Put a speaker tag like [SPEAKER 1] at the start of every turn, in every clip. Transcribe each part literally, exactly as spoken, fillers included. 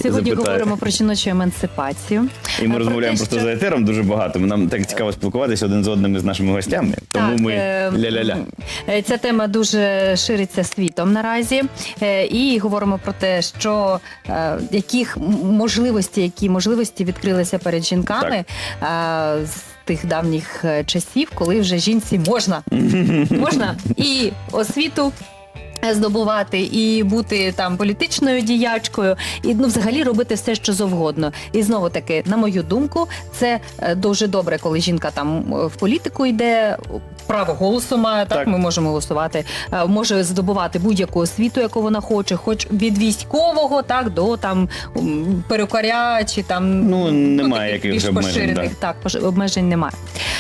[SPEAKER 1] Сьогодні
[SPEAKER 2] запитаю.
[SPEAKER 1] говоримо про жіночу емансипацію.
[SPEAKER 2] І ми
[SPEAKER 1] Про
[SPEAKER 2] розмовляємо
[SPEAKER 1] те,
[SPEAKER 2] просто
[SPEAKER 1] що-
[SPEAKER 2] за етером дуже багато. Нам так цікаво спілкуватися один з одним із нашими гостями. Тому
[SPEAKER 1] Так,
[SPEAKER 2] ми
[SPEAKER 1] е,
[SPEAKER 2] ля-ля-ля.
[SPEAKER 1] е, Ця тема дуже шириться світом наразі. Е, І говоримо про те, що е, яких м- можливості, які можливості відкрилися перед жінками е, з тих давніх е, часів, коли вже жінці можна. Можна і освіту здобувати, і бути там політичною діячкою, і ну взагалі робити все, що завгодно. І знову таки, на мою думку, це е, дуже добре, коли жінка там е, в політику йде, право голосу має, так,
[SPEAKER 2] Так.
[SPEAKER 1] ми можемо голосувати, е, може здобувати будь-яку освіту, яку вона хоче, хоч від військового, так, до там м, перукаря, чи там
[SPEAKER 2] Ну, немає
[SPEAKER 1] таких
[SPEAKER 2] якихось
[SPEAKER 1] більш
[SPEAKER 2] обмежень,
[SPEAKER 1] поширених, так, пош- обмежень немає.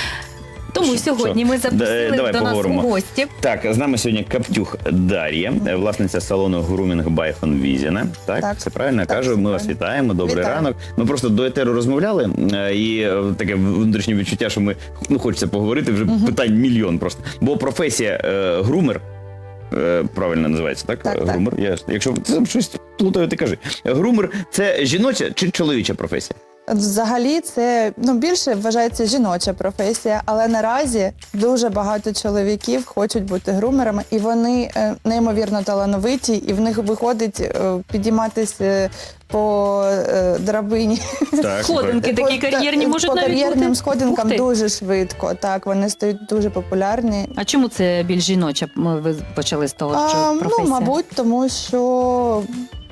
[SPEAKER 1] Тому
[SPEAKER 2] Що-
[SPEAKER 1] сьогодні
[SPEAKER 2] що?
[SPEAKER 1] ми запросили
[SPEAKER 2] Да- давай
[SPEAKER 1] до нас
[SPEAKER 2] поговоримо.
[SPEAKER 1] у гості.
[SPEAKER 2] Так, з нами сьогодні Каптюх Дар'я, е, власниця салону Grooming by Fonvizina. Так,
[SPEAKER 3] Так.
[SPEAKER 2] все правильно я
[SPEAKER 3] Так,
[SPEAKER 2] кажу.
[SPEAKER 3] все
[SPEAKER 2] Ми вас
[SPEAKER 3] правильно.
[SPEAKER 2] вітаємо, добрий
[SPEAKER 3] Вітаю.
[SPEAKER 2] ранок. Ми просто до етеру розмовляли, е, і е, таке внутрішнє відчуття, що ми ну, хочеться поговорити, вже питань мільйон просто. Бо професія е, грумер, е, правильно називається, так?
[SPEAKER 3] Так,
[SPEAKER 2] Е,
[SPEAKER 3] так.
[SPEAKER 2] Грумер. Я, якщо ти щось плутаю, ти кажи. Грумер – це жіноча чи чоловіча професія?
[SPEAKER 3] Взагалі це ну, більше вважається жіноча професія, але наразі дуже багато чоловіків хочуть бути грумерами, і вони е, неймовірно талановиті, і в них виходить е, підійматися по е, драбині.
[SPEAKER 2] Так,
[SPEAKER 1] Сходинки такі
[SPEAKER 3] По-
[SPEAKER 1] кар'єрні
[SPEAKER 3] та-
[SPEAKER 1] можуть
[SPEAKER 3] по
[SPEAKER 1] навіть
[SPEAKER 3] кар'єрним
[SPEAKER 1] бути.
[SPEAKER 3] сходинкам
[SPEAKER 1] Ух ти.
[SPEAKER 3] дуже швидко. Так, вони стають дуже популярні.
[SPEAKER 1] А чому це більш жіноча? Ми- Ви почали з того, що
[SPEAKER 3] А,
[SPEAKER 1] професія?
[SPEAKER 3] ну, мабуть, тому що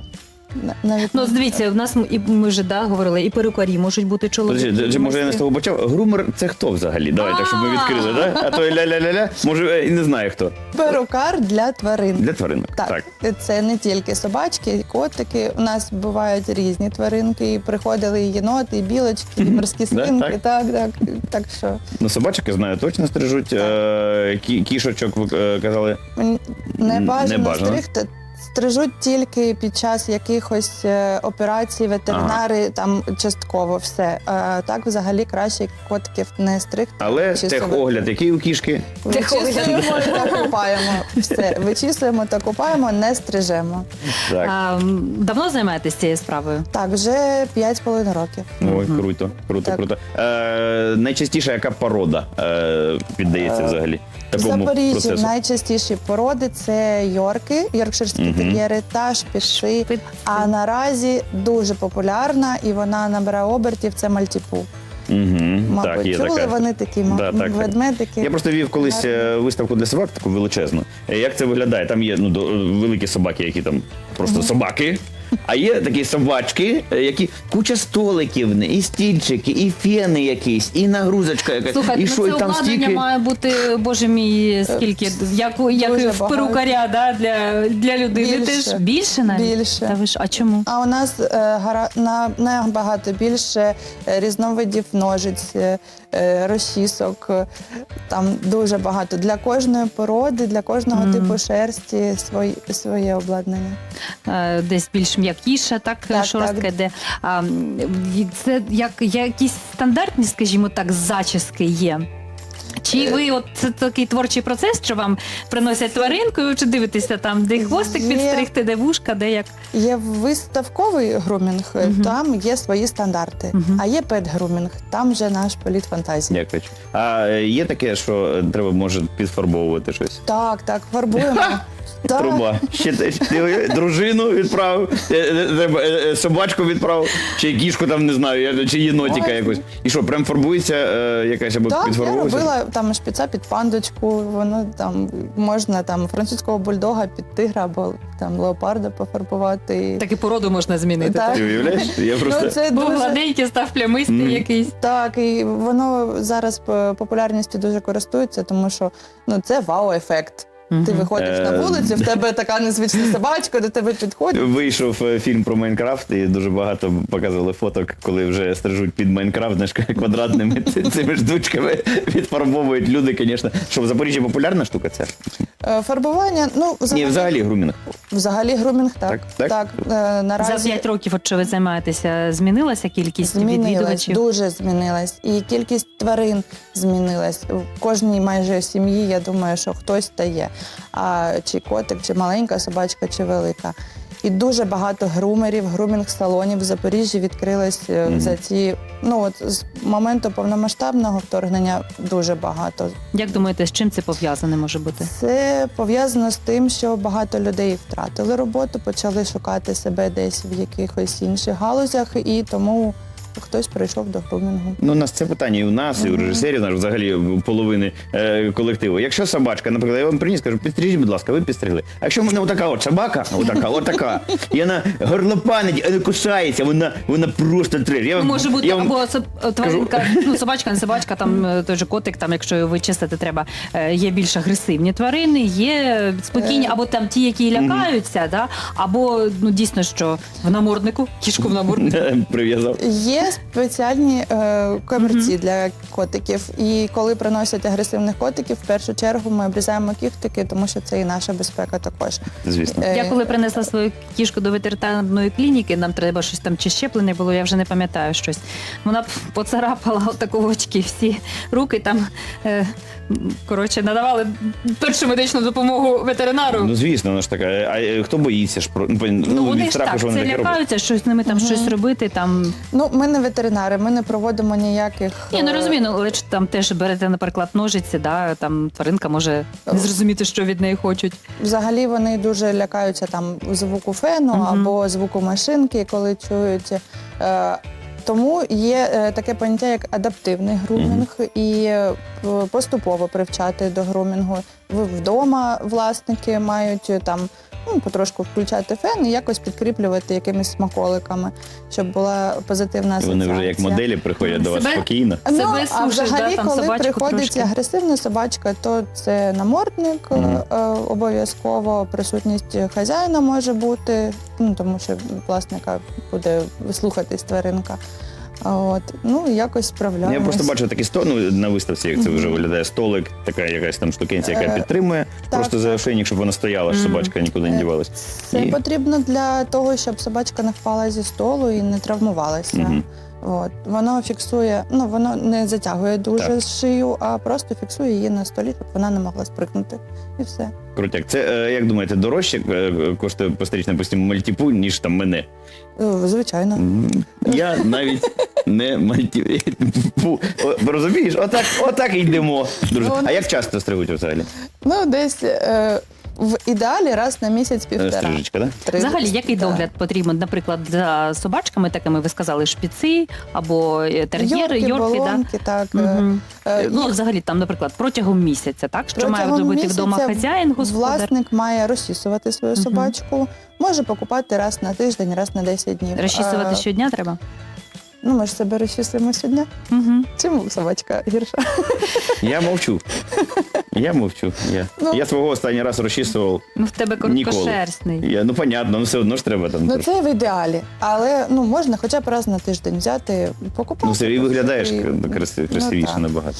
[SPEAKER 3] на- навіть
[SPEAKER 1] Ну, дивіться, в нас м- і ми вже да, говорили, і перукарі можуть бути чоловіки.
[SPEAKER 2] Подожди,
[SPEAKER 1] і
[SPEAKER 2] може я не з
[SPEAKER 1] майстри.
[SPEAKER 2] того почав? Грумер – це хто взагалі? Давай, так, щоб ми відкрили, да? А то ля-ля-ля-ля, може е, і не знаю хто.
[SPEAKER 3] перукар для тварин.
[SPEAKER 2] Для тваринок.
[SPEAKER 3] Так, це не тільки собачки, і котики. У нас бувають різні тваринки. І приходили і єноти, і білочки, і морські
[SPEAKER 2] Да,
[SPEAKER 3] свинки.
[SPEAKER 2] так.
[SPEAKER 3] Так, так, так що
[SPEAKER 2] Ну, собачок, я знаю, точно стрижуть. Е, кі- кішочок, ви е, казали.
[SPEAKER 3] м, не бажано,
[SPEAKER 2] Не бажано.
[SPEAKER 3] стригти. Стрижуть тільки під час якихось е, операцій, ветеринари там частково все. А так взагалі краще котиків не стригти.
[SPEAKER 2] Але
[SPEAKER 3] Чи
[SPEAKER 2] техогляд, який у кішки?
[SPEAKER 3] Вичісуємо та купаємо. Все, вичісуємо та купаємо, не стрижемо.
[SPEAKER 2] Так.
[SPEAKER 1] А, м, давно займаєтесь цією справою?
[SPEAKER 3] Так, вже п'ять з половиною років.
[SPEAKER 2] Ой, круто, круто,
[SPEAKER 3] Так.
[SPEAKER 2] круто. Е, найчастіше яка порода е, піддається взагалі
[SPEAKER 3] В
[SPEAKER 2] такому
[SPEAKER 3] Запоріжжі
[SPEAKER 2] процесу?
[SPEAKER 3] найчастіші породи це йорки, йоркширські
[SPEAKER 2] Мгм.
[SPEAKER 3] тер'єри та шпіци.
[SPEAKER 1] Шпиц.
[SPEAKER 3] А наразі дуже популярна і вона набирає обертів, це мальтіпу.
[SPEAKER 2] Угу.
[SPEAKER 3] Мабуть,
[SPEAKER 2] Так, є
[SPEAKER 3] чули
[SPEAKER 2] така.
[SPEAKER 3] вони такі
[SPEAKER 2] Да, так, так.
[SPEAKER 3] ведмедики.
[SPEAKER 2] Я просто вів колись е, виставку для собак, таку величезну. Е, Як це виглядає? Там є ну, до- великі собаки, які там просто собаки. А є такі собачки, е, які куча столиків, і стільчики, і фени якісь, і нагрузочка якась.
[SPEAKER 1] Слухайте,
[SPEAKER 2] і
[SPEAKER 1] ну
[SPEAKER 2] що,
[SPEAKER 1] це
[SPEAKER 2] і там
[SPEAKER 1] обладнання
[SPEAKER 2] стільки.
[SPEAKER 1] має бути, боже мій, скільки, як, у- як
[SPEAKER 3] дуже
[SPEAKER 1] в
[SPEAKER 3] багато.
[SPEAKER 1] перукаря, да, для, для людини.
[SPEAKER 3] Більше.
[SPEAKER 1] Теж більше навіть?
[SPEAKER 3] Більше.
[SPEAKER 1] Та ви ж, а чому?
[SPEAKER 3] А у нас е, гара, на, набагато більше е, різновидів ножиць, е, е, розчісок. е, Там дуже багато. Для кожної породи, для кожного
[SPEAKER 1] Мгм.
[SPEAKER 3] типу шерсті свої, своє обладнання.
[SPEAKER 1] Е, Десь більш м'якіша, так,
[SPEAKER 3] Так,
[SPEAKER 1] шорстка
[SPEAKER 3] так.
[SPEAKER 1] йде. А, м, і це як, якісь стандартні, скажімо так, зачіски є? Чи ви от це такий творчий процес, що вам приносять тваринку, і ви чи дивитеся там, де хвостик
[SPEAKER 3] Є.
[SPEAKER 1] підстригти, де вушка, де як?
[SPEAKER 3] Є виставковий грумінг, е,
[SPEAKER 1] Мгм.
[SPEAKER 3] там є свої стандарти.
[SPEAKER 1] Мгм.
[SPEAKER 3] А є пет-грумінг, там вже наш політ фантазії.
[SPEAKER 2] Дякую. А е, є таке, що треба може підфарбовувати щось?
[SPEAKER 3] Так, так, фарбуємо. Так.
[SPEAKER 2] Труба. Ще те- ти дружину відправив, е, е, треба, е, е, собачку відправив, чи кішку там не знаю, я- чи єнотика
[SPEAKER 3] Ой.
[SPEAKER 2] якось. І що, прям фарбується е, якась або
[SPEAKER 3] Так, я
[SPEAKER 2] підфарбовується?
[SPEAKER 3] робила там шпіца під пандочку, воно там можна там французького бульдога під тигра або там леопарда пофарбувати.
[SPEAKER 1] Так і породу можна змінити.
[SPEAKER 3] Так.
[SPEAKER 2] Ти уявляєш? Я просто...
[SPEAKER 3] Ну, це
[SPEAKER 1] Був
[SPEAKER 3] дуже...
[SPEAKER 1] гладенький, став плямистий
[SPEAKER 2] Мгм.
[SPEAKER 1] якийсь.
[SPEAKER 3] Так, і воно зараз е, популярністю дуже користується, тому що ну це вау-ефект. Ти
[SPEAKER 1] Мгм.
[SPEAKER 3] виходиш на
[SPEAKER 2] Е.
[SPEAKER 3] вулицю, в тебе така незвична собачка, до тебе підходить.
[SPEAKER 2] Вийшов е, фільм про Майнкрафт, і дуже багато показували фоток, коли вже стрижуть під Майнкрафт, знаєш, квадратними ці- цими штучками відфарбовують люди, звісно. Що в Запоріжжі популярна штука ця?
[SPEAKER 3] Е, Фарбування, ну взагалі,
[SPEAKER 2] Ні, взагалі грумінг.
[SPEAKER 3] взагалі грумінг, так.
[SPEAKER 2] Так, так?
[SPEAKER 3] е,
[SPEAKER 1] За
[SPEAKER 3] наразі
[SPEAKER 1] п'ять років, от що ви займаєтеся, змінилася кількість
[SPEAKER 3] змінилась,
[SPEAKER 1] відвідувачів?
[SPEAKER 3] дуже змінилась. І кількість тварин змінилась. В кожній майже сім'ї, я думаю, що хтось та є. а чи котик, чи маленька собачка, чи велика. І дуже багато грумерів, грумінг-салонів в Запоріжжі відкрилось е,
[SPEAKER 2] Мгм.
[SPEAKER 3] за ці, ну от з моменту повномасштабного вторгнення дуже багато.
[SPEAKER 1] Як думаєте, з чим це пов'язане може бути?
[SPEAKER 3] Це пов'язано з тим, що багато людей втратили роботу, почали шукати себе десь в якихось інших галузях, і тому хтось прийшов до грумінгу.
[SPEAKER 2] Ну, у нас це питання і у нас, і у режисерів, наш, взагалі у половини е, колективу. Якщо собачка, наприклад, я вам приніс, кажу, підстрижіть, будь ласка, ви підстригли. А якщо в мене отака от собака, отака, отака, і вона горлопанить, а не кусається, вона, вона просто треш. Я,
[SPEAKER 1] Ну, може бути
[SPEAKER 2] я вам-
[SPEAKER 1] або соб- тваринка, ну собачка, не собачка, там е, той же котик, там, якщо його вичистити треба, е, є більш агресивні тварини, є спокійні,
[SPEAKER 3] Е.
[SPEAKER 1] або там ті, які лякаються, да? Або ну дійсно, що в наморднику, кішку в наморднику.
[SPEAKER 2] прив'язав.
[SPEAKER 3] Є спеціальні е, комірці для котиків, і коли приносять агресивних котиків, в першу чергу ми обрізаємо кіхтики, тому що це і наша безпека також.
[SPEAKER 2] Звісно.
[SPEAKER 3] Е,
[SPEAKER 1] Я коли принесла свою кішку до ветеринарної клініки, нам треба щось там чи щеплене було, я вже не пам'ятаю щось. Вона поцарапала отаку очки, всі руки там, е, коротше, надавали першу медичну допомогу ветеринару.
[SPEAKER 2] Ну, звісно, вона ж така. А е, хто боїться ж про ну,
[SPEAKER 1] Ну, вони
[SPEAKER 2] від
[SPEAKER 1] ж
[SPEAKER 2] страху,
[SPEAKER 1] так,
[SPEAKER 2] що вони
[SPEAKER 1] це
[SPEAKER 2] таке роблять?
[SPEAKER 1] лякаються, щось з ними там щось робити. Там
[SPEAKER 3] Ну, ми не ветеринари, ми не проводимо ніяких.
[SPEAKER 1] ні, ну
[SPEAKER 3] е,
[SPEAKER 1] розумію, ну, але ж там теж берете, наприклад, ножиці, да, там тваринка може не зрозуміти, що від неї хочуть.
[SPEAKER 3] Взагалі вони дуже лякаються там звуку фену
[SPEAKER 1] Мгм.
[SPEAKER 3] або звуку машинки, коли чують. Е, Тому є е, таке поняття, як адаптивний грумінг, і е, поступово привчати до грумінгу. В- Вдома власники мають е, там ну, потрошку включати фен і якось підкріплювати якимись смаколиками, щоб була позитивна асоціація.
[SPEAKER 2] Вони вже як моделі приходять до вас
[SPEAKER 1] Себе-
[SPEAKER 2] спокійно.
[SPEAKER 3] Ну,
[SPEAKER 1] Себе
[SPEAKER 3] а
[SPEAKER 1] сушиш,
[SPEAKER 3] взагалі,
[SPEAKER 1] да, там
[SPEAKER 3] коли
[SPEAKER 1] собачку
[SPEAKER 3] приходить
[SPEAKER 1] трошки.
[SPEAKER 3] агресивна собачка, то це намордник
[SPEAKER 2] Мгм.
[SPEAKER 3] е, е, обов'язково, присутність хазяїна може бути, ну, тому що власника буде слухатись тваринка. А От, ну, якось
[SPEAKER 2] Ну,
[SPEAKER 3] справляємось.
[SPEAKER 2] я просто бачив такі сто, ну, на виставці, як це вже
[SPEAKER 3] Мгм.
[SPEAKER 2] виглядає, столик, така якась там штукенція, яка
[SPEAKER 3] Е,
[SPEAKER 2] підтримує,
[SPEAKER 3] так,
[SPEAKER 2] просто за ошейник, щоб вона стояла, щоб
[SPEAKER 1] Мгм.
[SPEAKER 2] собачка нікуди не
[SPEAKER 3] Е,
[SPEAKER 2] дівалась.
[SPEAKER 3] Це
[SPEAKER 2] І-
[SPEAKER 3] потрібно для того, щоб собачка не впала зі столу і не травмувалася.
[SPEAKER 2] Мгм.
[SPEAKER 3] От. Воно фіксує, ну воно не затягує дуже
[SPEAKER 2] Так.
[SPEAKER 3] шию, а просто фіксує її на столі, щоб вона не могла спригнути. І все.
[SPEAKER 2] Крутяк. Це, е, як думаєте, дорожче е, коштує пострічна постійно мальтіпу, ніж там мене?
[SPEAKER 3] Е, Звичайно.
[SPEAKER 2] М, Я навіть не мальтіпу. О, розумієш? Отак, отак і йдемо. Друже.
[SPEAKER 3] Ну,
[SPEAKER 2] А як часто стригуть взагалі?
[SPEAKER 3] Ну, десь е, в ідеалі раз на місяць-півтора.
[SPEAKER 2] Стрижечка, так?
[SPEAKER 3] Три-
[SPEAKER 1] Взагалі, який
[SPEAKER 3] так.
[SPEAKER 1] догляд потрібен, наприклад, за собачками, такими ви сказали, шпіци або е, тер'єри,
[SPEAKER 3] Йорки,
[SPEAKER 1] йорки, да?
[SPEAKER 3] болонки, так. е,
[SPEAKER 1] Мгм.
[SPEAKER 3] е,
[SPEAKER 1] Ну,
[SPEAKER 3] їх
[SPEAKER 1] взагалі, там, наприклад, протягом місяця, так? Що має
[SPEAKER 3] протягом
[SPEAKER 1] зробити
[SPEAKER 3] місяця
[SPEAKER 1] вдома хазяїн, господар?
[SPEAKER 3] Власник має розчісувати свою
[SPEAKER 1] Мгм.
[SPEAKER 3] собачку, може покупати раз на тиждень, раз на десять днів.
[SPEAKER 1] Розчісувати
[SPEAKER 3] Е,
[SPEAKER 1] щодня треба?
[SPEAKER 3] Ну, ми ж себе розчісуємо щодня.
[SPEAKER 1] Угу.
[SPEAKER 3] Чому собачка гірша?
[SPEAKER 2] Я мовчу. Я мовчу. Я,
[SPEAKER 3] Ну.
[SPEAKER 2] я свого останній раз розчісував.
[SPEAKER 1] Ну, в тебе
[SPEAKER 2] Ніколи.
[SPEAKER 1] короткошерстний.
[SPEAKER 2] Я, ну, понятно, ну все одно ж треба там.
[SPEAKER 3] Ну,
[SPEAKER 2] трошки.
[SPEAKER 3] це в ідеалі. Але ну, можна хоча б раз на тиждень взяти, покупати.
[SPEAKER 2] Ну, все, і виглядаєш
[SPEAKER 3] і-
[SPEAKER 2] краси-
[SPEAKER 3] ну,
[SPEAKER 2] красивіше
[SPEAKER 3] так.
[SPEAKER 2] набагато.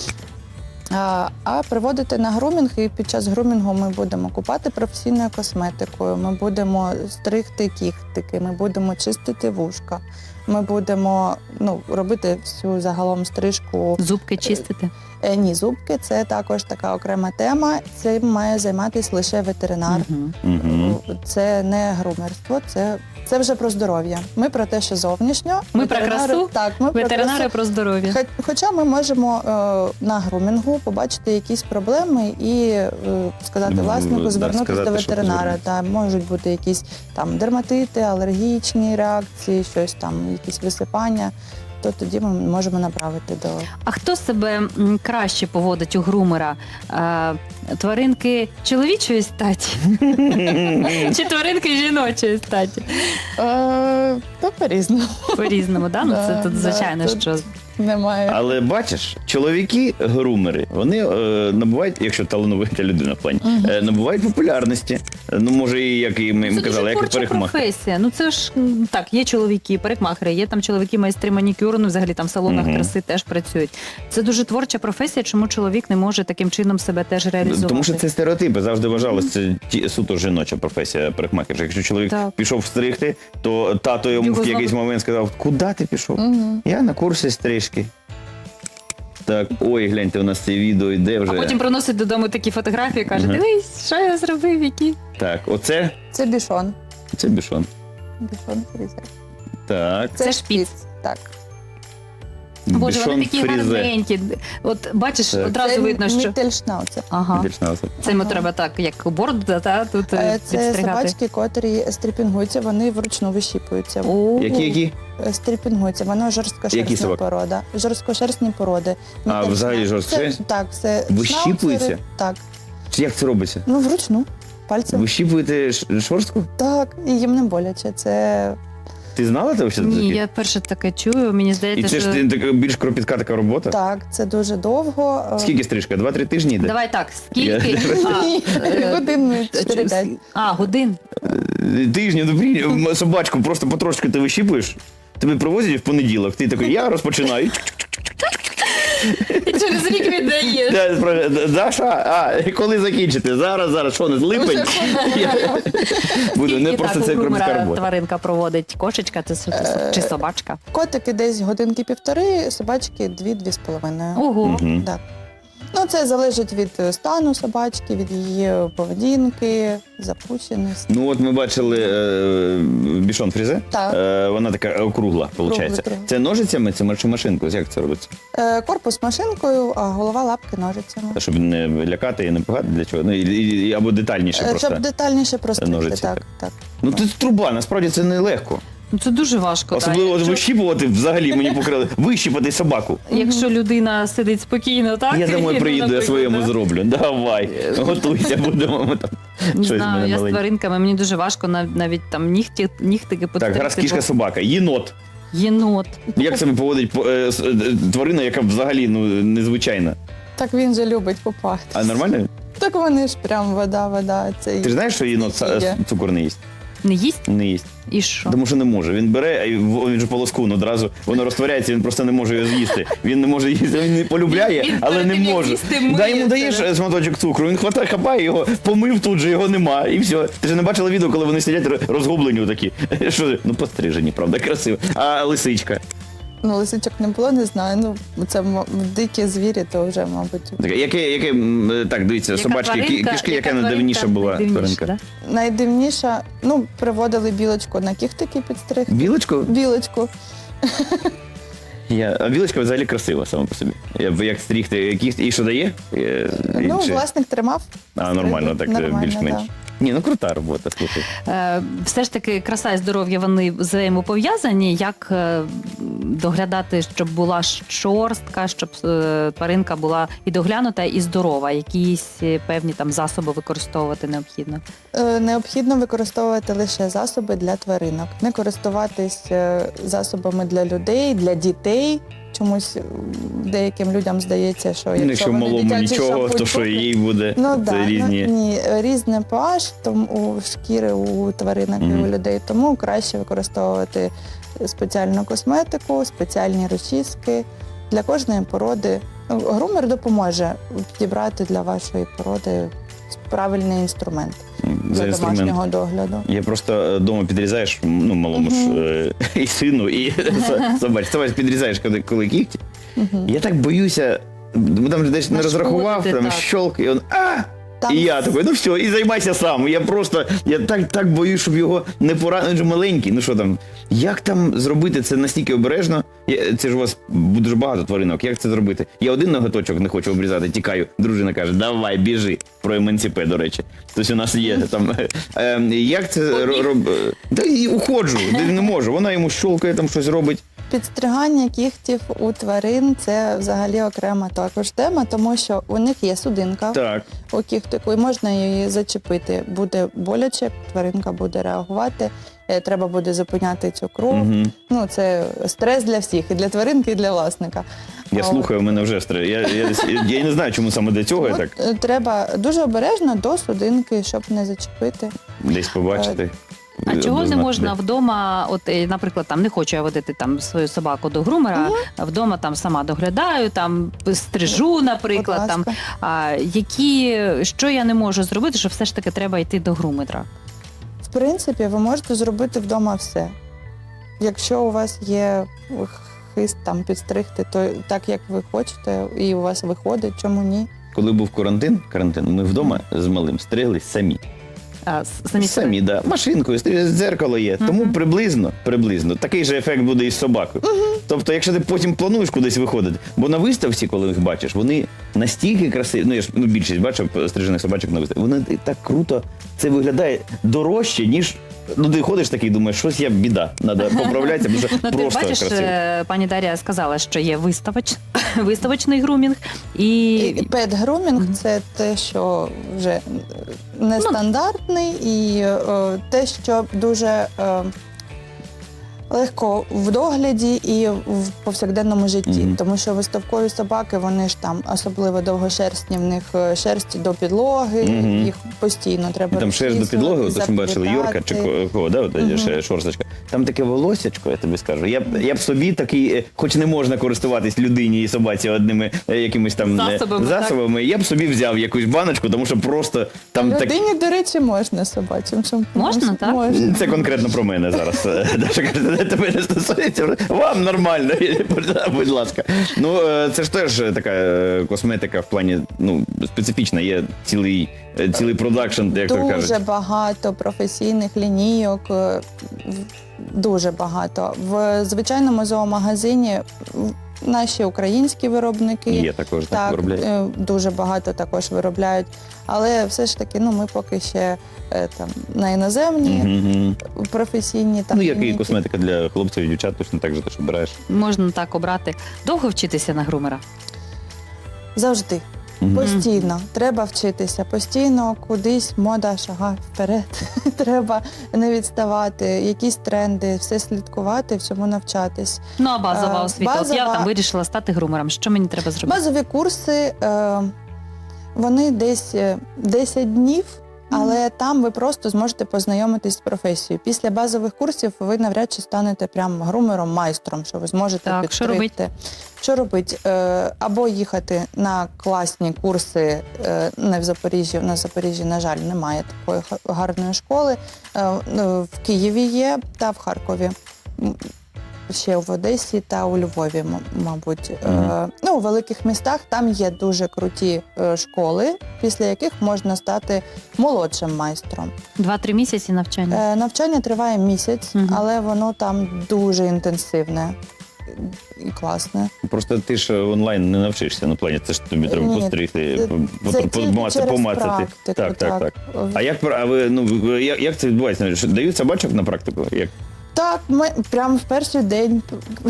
[SPEAKER 3] А, а приводити на грумінг, і під час грумінгу ми будемо купати професійною косметикою, ми будемо стригти кіхтики, ми будемо чистити вушка, ми будемо ну, робити всю загалом стрижку.
[SPEAKER 1] Зубки чистити.
[SPEAKER 3] Е, ні, зубки це також така окрема тема. Цим має займатися лише ветеринар.
[SPEAKER 1] Мгм.
[SPEAKER 2] Угу.
[SPEAKER 3] Це не грумерство, це, це вже про здоров'я. Ми про те, що зовнішньо.
[SPEAKER 1] Ми про
[SPEAKER 3] ветеринари-
[SPEAKER 1] красу,
[SPEAKER 3] Так, ми про
[SPEAKER 1] Ветеринари
[SPEAKER 3] красу.
[SPEAKER 1] про здоров'я.
[SPEAKER 3] Хо- Хоча ми можемо е, на грумінгу побачити якісь проблеми і е, сказати
[SPEAKER 2] Ну,
[SPEAKER 3] власнику,
[SPEAKER 2] да,
[SPEAKER 3] звернутися
[SPEAKER 2] сказати,
[SPEAKER 3] до
[SPEAKER 2] що
[SPEAKER 3] ветеринара.
[SPEAKER 2] звернутися.
[SPEAKER 3] Та, можуть бути якісь там дерматити, алергічні реакції, щось там, якісь висипання. То тоді ми можемо направити до
[SPEAKER 1] А хто себе м, краще поводить у грумера? Е, тваринки чоловічої статі чи тваринки жіночої статі?
[SPEAKER 3] е, то по-різному.
[SPEAKER 1] По-різному, да? Ну, це
[SPEAKER 3] Да,
[SPEAKER 1] тут
[SPEAKER 3] да,
[SPEAKER 1] звичайно,
[SPEAKER 3] тут-
[SPEAKER 1] що
[SPEAKER 3] Немає.
[SPEAKER 2] Але бачиш, чоловіки-грумери, вони е, набувають, якщо талановита людина в плані, е, набувають популярності. Е, Ну, може, і як і ми, ми
[SPEAKER 1] це
[SPEAKER 2] казали,
[SPEAKER 1] дуже
[SPEAKER 2] як і
[SPEAKER 1] творча
[SPEAKER 2] парикмахер.
[SPEAKER 1] професія. Ну це ж м, так, є чоловіки, парикмахери, є там чоловіки майстри манікюру, ну взагалі там в салонах
[SPEAKER 2] Мгм.
[SPEAKER 1] краси теж працюють. Це дуже творча професія, чому чоловік не може таким чином себе теж реалізувати.
[SPEAKER 2] Тому що це стереотипи. Завжди вважалося, це ті- суто жіноча професія парикмахера. Якщо чоловік
[SPEAKER 1] Так.
[SPEAKER 2] пішов стригти, то тато йому
[SPEAKER 1] Його
[SPEAKER 2] в якийсь
[SPEAKER 1] знову-
[SPEAKER 2] момент сказав, куди ти пішов?
[SPEAKER 3] Мгм.
[SPEAKER 2] Я на курсі стрижки. Так, ой, гляньте, у нас це відео йде вже.
[SPEAKER 1] А потім приносить додому такі фотографії, каже,
[SPEAKER 2] Ага.
[SPEAKER 1] дивись, що я зробив, які.
[SPEAKER 2] Так, оце,
[SPEAKER 3] Це бішон.
[SPEAKER 2] це бішон.
[SPEAKER 3] Бішон фрізе.
[SPEAKER 2] Так,
[SPEAKER 1] Це шпіц.
[SPEAKER 3] Так.
[SPEAKER 1] Боже, вони
[SPEAKER 2] бішон
[SPEAKER 1] такі
[SPEAKER 2] фрізе.
[SPEAKER 1] гарненькі. От бачиш,
[SPEAKER 2] Так.
[SPEAKER 1] одразу
[SPEAKER 3] Це
[SPEAKER 1] видно, що...
[SPEAKER 3] міттельшнауцер.
[SPEAKER 1] Ага.
[SPEAKER 2] Більшнауцер.
[SPEAKER 1] Це йому
[SPEAKER 3] Ага.
[SPEAKER 1] треба так, як бороду, та, тут е,
[SPEAKER 3] Е, Це
[SPEAKER 1] підстригати.
[SPEAKER 3] собачки, котрі стріпінгуються, вони вручну вищіпуються.
[SPEAKER 1] О,
[SPEAKER 2] Які, які?
[SPEAKER 3] Е, Стріпінгуються, воно
[SPEAKER 2] Які
[SPEAKER 3] жорсткошерстна
[SPEAKER 2] собаки?
[SPEAKER 3] порода. Жорсткошерстні породи.
[SPEAKER 2] А,
[SPEAKER 3] Міттельшнау-
[SPEAKER 2] взагалі жорсткошерстні?
[SPEAKER 3] Це- Так, це
[SPEAKER 2] Вищіпуються?
[SPEAKER 3] шнауцери. Так.
[SPEAKER 2] Чи як це робиться?
[SPEAKER 3] Ну, вручну. Пальцем.
[SPEAKER 2] Вищіпуєте ш- шорстку?
[SPEAKER 3] Так, і їм не боляче. Це
[SPEAKER 2] Ти знала це взагалі?
[SPEAKER 1] Ні, я перше таке чую, мені
[SPEAKER 2] І
[SPEAKER 1] здається,
[SPEAKER 2] це
[SPEAKER 1] що...
[SPEAKER 2] ж ти- така більш кропітка така робота?
[SPEAKER 3] так, це дуже довго. Е,
[SPEAKER 2] Скільки стрижка? Два-три тижні йде?
[SPEAKER 1] Давай так, скільки?
[SPEAKER 2] Я-
[SPEAKER 1] А,
[SPEAKER 3] Ні,
[SPEAKER 1] е,
[SPEAKER 3] годин чотири-п'ять.
[SPEAKER 1] А, годин.
[SPEAKER 2] Тижні, добрі, м, собачку просто потрошки ти вищіпуєш, тебе привозять в понеділок, ти такий, я розпочинаю.
[SPEAKER 1] І через рік віддаєш.
[SPEAKER 2] Я спрашиваю, Даша, а коли закінчите? Зараз, зараз, що не липень? Я- Буду, не
[SPEAKER 1] Скільки
[SPEAKER 2] просто
[SPEAKER 1] так
[SPEAKER 2] це
[SPEAKER 1] у грумера
[SPEAKER 2] кропітка робота.
[SPEAKER 1] тваринка проводить? Кошечка це с- чи собачка?
[SPEAKER 3] Котики десь годинки півтори, собачки дві-дві з половиною.
[SPEAKER 1] Ого.
[SPEAKER 2] Мгм.
[SPEAKER 3] Так. Ну, це залежить від е, стану собачки, від її поведінки, запущеності.
[SPEAKER 2] Ну от ми бачили е, бішон фрізе,
[SPEAKER 3] Так.
[SPEAKER 2] Е, вона така округла, виходить.
[SPEAKER 3] кругла.
[SPEAKER 2] Це ножицями, це чи машинкою? Як це робиться?
[SPEAKER 3] Е, Корпус машинкою, а голова лапки ножицями.
[SPEAKER 2] Та, щоб не лякати і не пугати, для чого? Ну, і, і- або детальніше
[SPEAKER 3] Е,
[SPEAKER 2] просто.
[SPEAKER 3] Щоб детальніше простити.
[SPEAKER 2] ножиці,
[SPEAKER 3] Так,
[SPEAKER 2] так.
[SPEAKER 3] так.
[SPEAKER 2] Ну це труба, насправді це не легко.
[SPEAKER 1] Ну це дуже важко.
[SPEAKER 2] Особливо
[SPEAKER 1] так. Якщо,
[SPEAKER 2] вищіпувати взагалі мені покрили. Вищіпати собаку.
[SPEAKER 1] якщо людина сидить спокійно, так?
[SPEAKER 2] Я домой
[SPEAKER 1] і,
[SPEAKER 2] приїду, я
[SPEAKER 1] наприклад,
[SPEAKER 2] своєму
[SPEAKER 1] да.
[SPEAKER 2] зроблю. Давай, готуйся, будемо ми там.
[SPEAKER 1] Не
[SPEAKER 2] Щось в
[SPEAKER 1] знаю,
[SPEAKER 2] мене
[SPEAKER 1] я з
[SPEAKER 2] маленьке.
[SPEAKER 1] тваринками, мені дуже важко нав- навіть там нігті, нігтики
[SPEAKER 2] Так,
[SPEAKER 1] потерти.
[SPEAKER 2] гаразд кішка
[SPEAKER 1] бо-
[SPEAKER 2] собака, єнот.
[SPEAKER 1] Єнот.
[SPEAKER 2] Як себе поводить по- е, с- е, тварина, яка взагалі ну, незвичайна?
[SPEAKER 3] Так він же любить купати.
[SPEAKER 2] А нормально?
[SPEAKER 3] Так вони ж прям вода, вода. Це
[SPEAKER 2] Ти ж знаєш, що єнот са-
[SPEAKER 3] Є.
[SPEAKER 2] цукор не їсть?
[SPEAKER 1] Не їсть?
[SPEAKER 2] Не їсть.
[SPEAKER 1] І що?
[SPEAKER 2] Тому що не може. Він бере, і в- він же полоскун одразу, воно розтворяється, він просто не може його з'їсти. Він не може їсти, він не полюбляє,
[SPEAKER 1] Він
[SPEAKER 2] але
[SPEAKER 1] перед
[SPEAKER 2] не
[SPEAKER 1] тим, як
[SPEAKER 2] може.
[SPEAKER 1] їсти,
[SPEAKER 2] Дай йому
[SPEAKER 1] миється,
[SPEAKER 2] даєш
[SPEAKER 1] да?
[SPEAKER 2] е, шматочок цукру, він хватає, хапає його, помив тут же, його нема, і все. Ти ж не бачила відео, коли вони сидять ро- розгублені такі. Що, ну пострижені, правда, красиво. А лисичка?
[SPEAKER 3] Ну, лисичок не було, не знаю. Ну, це м- дикі звірі, то вже, мабуть.
[SPEAKER 2] Таке, яке, яке, м, е, так, дивіться,
[SPEAKER 1] Яка
[SPEAKER 2] собачки, кі-
[SPEAKER 1] тваринка-
[SPEAKER 2] кішки, яка
[SPEAKER 1] яка
[SPEAKER 2] найдавніша
[SPEAKER 1] тваринка
[SPEAKER 2] була
[SPEAKER 1] найдивніша,
[SPEAKER 2] тваринка?
[SPEAKER 1] да?
[SPEAKER 3] Найдивніша, ну, приводили білочку на кіхтики підстригти.
[SPEAKER 2] Білочку?
[SPEAKER 3] Білочку.
[SPEAKER 2] Я, а білочка взагалі красива сама по собі. Я, як стрігти, які, і що дає? Е,
[SPEAKER 3] Ну,
[SPEAKER 2] чи-
[SPEAKER 3] власник тримав.
[SPEAKER 2] А, нормально, так е,
[SPEAKER 3] Нормально,
[SPEAKER 2] більш-менш.
[SPEAKER 3] да.
[SPEAKER 2] Ні, ну крута робота, слухай.
[SPEAKER 1] Е, все ж таки, краса і здоров'я вони взаємопов'язані. Як е, доглядати, щоб була шорстка, щоб е, тваринка була і доглянута, і здорова? Якісь е, певні там засоби використовувати необхідно?
[SPEAKER 3] Е, Необхідно використовувати лише засоби для тваринок, не користуватись е, засобами для людей, для дітей. Чомусь м, деяким людям здається, що
[SPEAKER 2] Ну,
[SPEAKER 3] якщо,
[SPEAKER 2] якщо
[SPEAKER 3] вони
[SPEAKER 2] малому
[SPEAKER 3] дитячий
[SPEAKER 2] нічого,
[SPEAKER 3] шампунь
[SPEAKER 2] то що
[SPEAKER 3] куплять-
[SPEAKER 2] їй буде?
[SPEAKER 3] Ну
[SPEAKER 2] Це
[SPEAKER 3] да,
[SPEAKER 2] різні.
[SPEAKER 3] ну, ні, різне pH тому у шкіри у тваринок і
[SPEAKER 2] Мгм.
[SPEAKER 3] у людей, тому краще використовувати спеціальну косметику, спеціальні розчіски для кожної породи. Ну, грумер допоможе підібрати для вашої породи правильний інструмент
[SPEAKER 2] За
[SPEAKER 3] для
[SPEAKER 2] інструмент.
[SPEAKER 3] домашнього догляду.
[SPEAKER 2] Я просто вдома підрізаєш, ну, малому ж е, і сину, і со- собачці. Собач підрізаєш, коли, коли кігті.
[SPEAKER 3] Мгм.
[SPEAKER 2] Я так боюся, бо там же десь не
[SPEAKER 1] Нашкодити,
[SPEAKER 2] розрахував, там
[SPEAKER 1] так.
[SPEAKER 2] щолк, і він а!
[SPEAKER 3] Там
[SPEAKER 2] І я такий, ну все, і займайся сам. Я просто, я так, так боюсь, щоб його не поранити. Він же маленький, ну що там, як там зробити це настільки обережно? Я- Це ж у вас дуже багато тваринок, як це зробити? Я один ноготочок не хочу обрізати, тікаю. Дружина каже, давай, біжи. Про емансипе, до речі. Тобто у нас є там. Е, як це ро- роб... Та і уходжу, де не можу. Вона йому щолкає, там щось робить.
[SPEAKER 3] підстригання кігтів у тварин це взагалі окрема також тема, тому що у них є судинка
[SPEAKER 2] Так.
[SPEAKER 3] у кігтику, і можна її зачепити. Буде боляче, тваринка буде реагувати, е, треба буде зупиняти цю кров.
[SPEAKER 2] Угу.
[SPEAKER 3] Ну, це стрес для всіх, і для тваринки, і для власника.
[SPEAKER 2] Я
[SPEAKER 3] А
[SPEAKER 2] слухаю, у мене вже стрес. Я, я, я, я не знаю, чому саме для цього я
[SPEAKER 3] от,
[SPEAKER 2] так
[SPEAKER 3] е, треба дуже обережно до судинки, щоб не зачепити.
[SPEAKER 2] десь побачити.
[SPEAKER 1] А чого не
[SPEAKER 2] Обознати.
[SPEAKER 1] можна вдома, от, е, наприклад, там не хочу я водити там свою собаку до грумера, а вдома там сама доглядаю, там стрижу, наприклад,
[SPEAKER 3] Будь
[SPEAKER 1] там
[SPEAKER 3] ласка.
[SPEAKER 1] а, які, що я не можу зробити, що все ж таки треба йти до грумера?
[SPEAKER 3] В принципі, ви можете зробити вдома все. Якщо у вас є хист там підстригти, то так як ви хочете, і у вас виходить, чому ні?
[SPEAKER 2] Коли був карантин, карантин, ми вдома з малим стриглись самі.
[SPEAKER 1] А, с- самі
[SPEAKER 2] Самі, да. Машинкою, стрі- дзеркало є. Тому
[SPEAKER 1] Мгм.
[SPEAKER 2] приблизно, приблизно такий же ефект буде і з собакою. Тобто, якщо ти потім плануєш кудись виходити, бо на виставці, коли їх бачиш, вони настільки красиві. Ну я ж ну, більшість бачив стрижених собачок на виставці. Вони так круто, це виглядає дорожче, ніж. Ну, ти ходиш такий, думаєш, щось я біда, треба поправлятися, бо це
[SPEAKER 1] Ну, ти
[SPEAKER 2] просто
[SPEAKER 1] бачиш,
[SPEAKER 2] красиво.
[SPEAKER 1] е, пані Дар'я сказала, що є виставоч... виставочний грумінг і,
[SPEAKER 3] І пет-грумінг – це те, що вже нестандартний, і е, те, що дуже е, легко в догляді і в повсякденному житті.
[SPEAKER 2] Мгм.
[SPEAKER 3] Тому що виставкові собаки, вони ж там особливо довгошерстні, в них е, шерсть до підлоги,
[SPEAKER 2] Мгм.
[SPEAKER 3] їх постійно треба
[SPEAKER 2] І там шерсть до підлоги,
[SPEAKER 3] розчісувати,
[SPEAKER 2] от що ми бачили, Йорка чи
[SPEAKER 3] заплітати.
[SPEAKER 2] ко- кого, да, от,
[SPEAKER 3] Мгм.
[SPEAKER 2] ще шорсточка. Там таке волосячко, я тобі скажу. Я б, я б собі такий, е, хоч не можна користуватись людині і собаці одними е, якимись там е,
[SPEAKER 1] Засобами,
[SPEAKER 2] засобами, я б собі взяв якусь баночку, тому що просто там так.
[SPEAKER 3] Людині, до речі, можна собачим шампунем.
[SPEAKER 1] Можна, так?
[SPEAKER 3] Можна.
[SPEAKER 2] Це конкретно про мене зараз. Е, Даша каже, «Це тебе не стосується, вам нормально, будь ласка. Ну, е, це ж теж така е, косметика в плані, ну, специфічна, є цілий, е, цілий продакшн, як то
[SPEAKER 3] Дуже
[SPEAKER 2] кажуть.
[SPEAKER 3] багато професійних лінійок, е, в- дуже багато. В звичайному зоомагазині в- наші українські виробники
[SPEAKER 2] Є також, так,
[SPEAKER 3] так,
[SPEAKER 2] виробляють.
[SPEAKER 3] е, дуже багато також виробляють. Але все ж таки, ну ми поки ще е, там на іноземні
[SPEAKER 2] Мгм.
[SPEAKER 3] професійні там
[SPEAKER 2] Ну, як і
[SPEAKER 3] лінійки.
[SPEAKER 2] косметика для хлопців і дівчат, точно так же, ти ж обираєш.
[SPEAKER 1] можна так обрати. Довго вчитися на грумера?
[SPEAKER 3] Завжди.
[SPEAKER 2] Мгм.
[SPEAKER 3] Постійно треба вчитися, постійно кудись мода шага вперед. Треба не відставати, якісь тренди, все слідкувати, всьому навчатись.
[SPEAKER 1] Ну, а базова
[SPEAKER 3] Е,
[SPEAKER 1] освіта. От я
[SPEAKER 3] базова-
[SPEAKER 1] там вирішила стати грумером. Що мені треба зробити?
[SPEAKER 3] Базові курси, е, вони десь е, десять днів, але там ви просто зможете познайомитись з професією. Після базових курсів ви навряд чи станете прям грумером, майстром, що ви зможете
[SPEAKER 1] Так, що
[SPEAKER 3] підстригти. Що робити? Е, або їхати на класні курси е, не в Запоріжжі. На Запоріжжі, на жаль, немає такої га- гарної школи. Е, ну, в Києві є та в Харкові. М, Ще в Одесі та у Львові, м- мабуть. Е,
[SPEAKER 2] Мгм.
[SPEAKER 3] ну, у великих містах там є дуже круті е, школи, після яких можна стати молодшим майстром.
[SPEAKER 1] Два-три місяці навчання.
[SPEAKER 3] Е, навчання триває місяць,
[SPEAKER 1] Мгм.
[SPEAKER 3] але воно там дуже інтенсивне і класне.
[SPEAKER 2] Просто ти ж онлайн не навчишся на плані, це ж тобі треба
[SPEAKER 3] Ні,
[SPEAKER 2] постригти,
[SPEAKER 3] це-
[SPEAKER 2] по-
[SPEAKER 3] це
[SPEAKER 2] по-
[SPEAKER 3] тільки
[SPEAKER 2] помацати,
[SPEAKER 3] через
[SPEAKER 2] помацати.
[SPEAKER 3] практику,
[SPEAKER 2] Так, так, так.
[SPEAKER 3] так.
[SPEAKER 2] А як, пр- а ви, ну, ви- як, як це відбувається? Що, дають собачок на практику? Як?
[SPEAKER 3] Так, ми прямо в перший день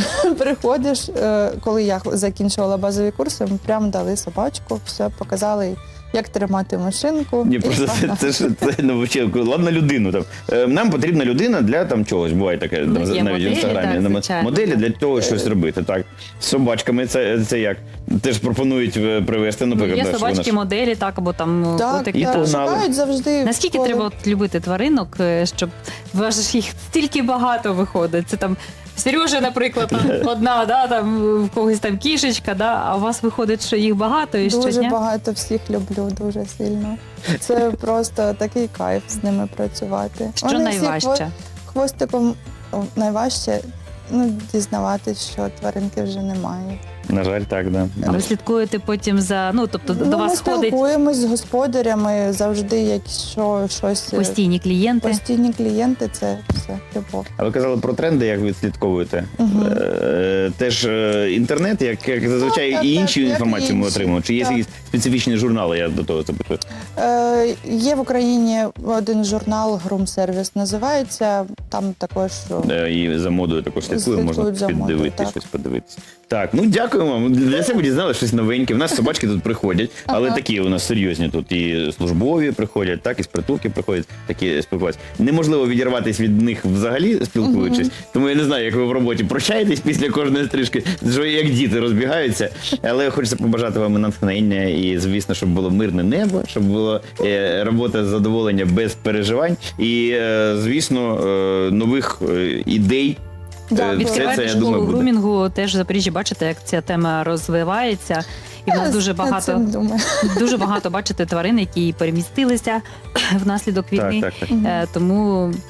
[SPEAKER 3] приходиш, е, коли я закінчувала базові курси, ми прямо дали собачку, все показали, як тримати машинку.
[SPEAKER 2] Ні,
[SPEAKER 3] і
[SPEAKER 2] просто це,
[SPEAKER 3] погнали.
[SPEAKER 2] це ж це ну, взагалі, ладно, людину там. Е, Нам потрібна людина для там чогось. Буває таке
[SPEAKER 1] Ну,
[SPEAKER 2] там,
[SPEAKER 1] є
[SPEAKER 2] навіть
[SPEAKER 1] моделі,
[SPEAKER 2] в інстаграмі.
[SPEAKER 1] так,
[SPEAKER 2] на-
[SPEAKER 1] звичайно.
[SPEAKER 2] моделі для того щось робити. Так. З собачками це, це як? Теж пропонують е, привезти,
[SPEAKER 1] Ну,
[SPEAKER 2] наприклад.
[SPEAKER 1] є
[SPEAKER 2] да, що вона
[SPEAKER 1] собачки,
[SPEAKER 2] ж-
[SPEAKER 1] моделі, так, або там
[SPEAKER 3] Так,
[SPEAKER 1] котики.
[SPEAKER 2] І
[SPEAKER 3] так,
[SPEAKER 1] так.
[SPEAKER 2] погнали.
[SPEAKER 3] шукають завжди.
[SPEAKER 1] Наскільки
[SPEAKER 3] коли-
[SPEAKER 1] треба от любити тваринок, е, щоб вважаєш, їх стільки багато виходить? Це там Сережа, наприклад, там одна, да, там в когось там кішечка, да, а у вас виходить, що їх багато і
[SPEAKER 3] Дуже
[SPEAKER 1] щодня?
[SPEAKER 3] багато всіх люблю, дуже сильно. Це просто такий кайф з ними працювати.
[SPEAKER 1] Що
[SPEAKER 3] Вони всі
[SPEAKER 1] найважче?
[SPEAKER 3] хво- Хвостиком о, найважче ну, дізнаватись, що тваринки вже немає.
[SPEAKER 2] На жаль, так, да.
[SPEAKER 1] А ви слідкуєте потім за, ну, тобто до
[SPEAKER 3] ну,
[SPEAKER 1] вас
[SPEAKER 3] ми
[SPEAKER 1] ходить
[SPEAKER 3] спілкуємось з господарями завжди, якщо щось е,
[SPEAKER 1] постійні клієнти.
[SPEAKER 3] постійні клієнти, це все любов.
[SPEAKER 2] А ви казали про тренди, як ви слідковуєте?
[SPEAKER 3] Мгм.
[SPEAKER 2] Е, Теж е, інтернет, як, як зазвичай,
[SPEAKER 3] Так, так,
[SPEAKER 2] і
[SPEAKER 3] так,
[SPEAKER 2] іншу
[SPEAKER 3] як
[SPEAKER 2] інформацію ми
[SPEAKER 3] інші,
[SPEAKER 2] отримуємо? Чи є
[SPEAKER 3] так.
[SPEAKER 2] якісь специфічні журнали, я до того запитую?
[SPEAKER 3] Е, є в Україні один журнал «Грумсервіс» називається, там також
[SPEAKER 2] Е, І за модою також слідкуємо, можна
[SPEAKER 3] Слідкують за модою,
[SPEAKER 2] піддивитися,
[SPEAKER 3] так.
[SPEAKER 2] щось подивитися. Так, ну дякуємо вам. Для себе дізнали щось новеньке. У нас собачки тут приходять, але
[SPEAKER 3] Ага.
[SPEAKER 2] такі у нас серйозні тут і службові приходять, так, і з притулки приходять, такі спілкуватися. Неможливо відірватися від них взагалі, спілкуючись. Тому я не знаю, як ви в роботі прощаєтесь після кожної стрижки, що як діти розбігаються. Але хочеться побажати вам натхнення і, звісно, щоб було мирне небо, щоб була е, робота з задоволення без переживань. І, е, звісно, е, нових е, ідей.
[SPEAKER 3] Дякую.
[SPEAKER 2] Е, все
[SPEAKER 1] Відкриваєте
[SPEAKER 2] це, я
[SPEAKER 1] школу
[SPEAKER 2] думаю, буде.
[SPEAKER 1] грумінгу, теж в Запоріжжі бачите, як ця тема розвивається. І в нас дуже
[SPEAKER 3] Над
[SPEAKER 1] багато,
[SPEAKER 3] цим думаю.
[SPEAKER 1] дуже багато бачите тварин, які перемістилися внаслідок війни.
[SPEAKER 2] Так, так, так.
[SPEAKER 1] Е, Тому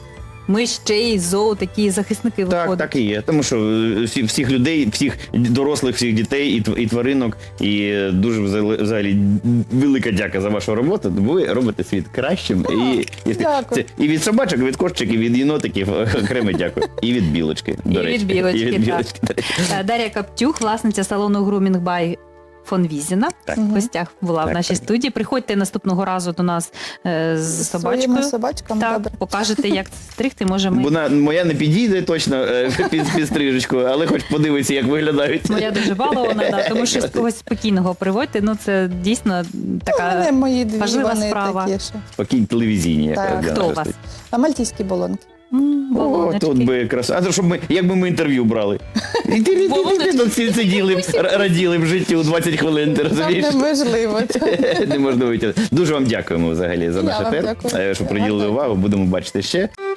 [SPEAKER 1] ми ще й зоо такі захисники
[SPEAKER 2] Так,
[SPEAKER 1] виходять.
[SPEAKER 2] так і є. Тому що е, всі, всіх людей, всіх дорослих, всіх дітей і, тв- і тваринок. І е, дуже взагалі- взагалі велика дяка за вашу роботу. Бо ви робите світ кращим. І, і,
[SPEAKER 3] дякую.
[SPEAKER 2] це, і від собачок, і від кошечок, і від єнотиків окремо дякую. І від білочки. До
[SPEAKER 1] І
[SPEAKER 2] речі.
[SPEAKER 1] від білочки,
[SPEAKER 2] І від
[SPEAKER 1] так.
[SPEAKER 2] білочки, до речі.
[SPEAKER 1] Е, Дар'я Каптюх, власниця салону Grooming by фон Візіна.
[SPEAKER 2] Так.
[SPEAKER 1] В гостях була
[SPEAKER 2] Так,
[SPEAKER 1] в нашій
[SPEAKER 2] так.
[SPEAKER 1] студії. Приходьте наступного разу до нас е, з собачкою.
[SPEAKER 3] Своїми собачками,
[SPEAKER 1] Так,
[SPEAKER 3] добре.
[SPEAKER 1] покажете, як стригти. Може, ми...
[SPEAKER 2] Вона моя не підійде точно е, під, під стрижечку, але хоч подивиться, як виглядають.
[SPEAKER 1] Моя дуже балована, да, тому що з когось спокійного приводьте. Ну, це дійсно
[SPEAKER 3] Ну, в
[SPEAKER 1] така
[SPEAKER 3] мене мої дві,
[SPEAKER 1] важлива
[SPEAKER 3] вони
[SPEAKER 1] справа.
[SPEAKER 3] такі, що.
[SPEAKER 2] Спокійні телевізійні. як
[SPEAKER 3] Так.
[SPEAKER 2] для
[SPEAKER 1] Хто у
[SPEAKER 2] нас
[SPEAKER 1] вас?
[SPEAKER 2] тут.
[SPEAKER 3] А мальтійські болонки.
[SPEAKER 1] м,
[SPEAKER 2] О,
[SPEAKER 1] балоночки.
[SPEAKER 2] тут би якраз. А то щоб ми, якби ми інтерв'ю брали. І ти, ти, ти, ти тут всі сиділи, б, р- раділи в житті у двадцять хвилин, ти
[SPEAKER 3] Нам
[SPEAKER 2] розумієш?
[SPEAKER 3] неможливо.
[SPEAKER 2] Не можна витягнути. Дуже вам дякуємо взагалі за
[SPEAKER 3] Я
[SPEAKER 2] наш
[SPEAKER 3] вам
[SPEAKER 2] ефір,
[SPEAKER 3] дякую.
[SPEAKER 2] е, що приділили увагу. Будемо бачити ще.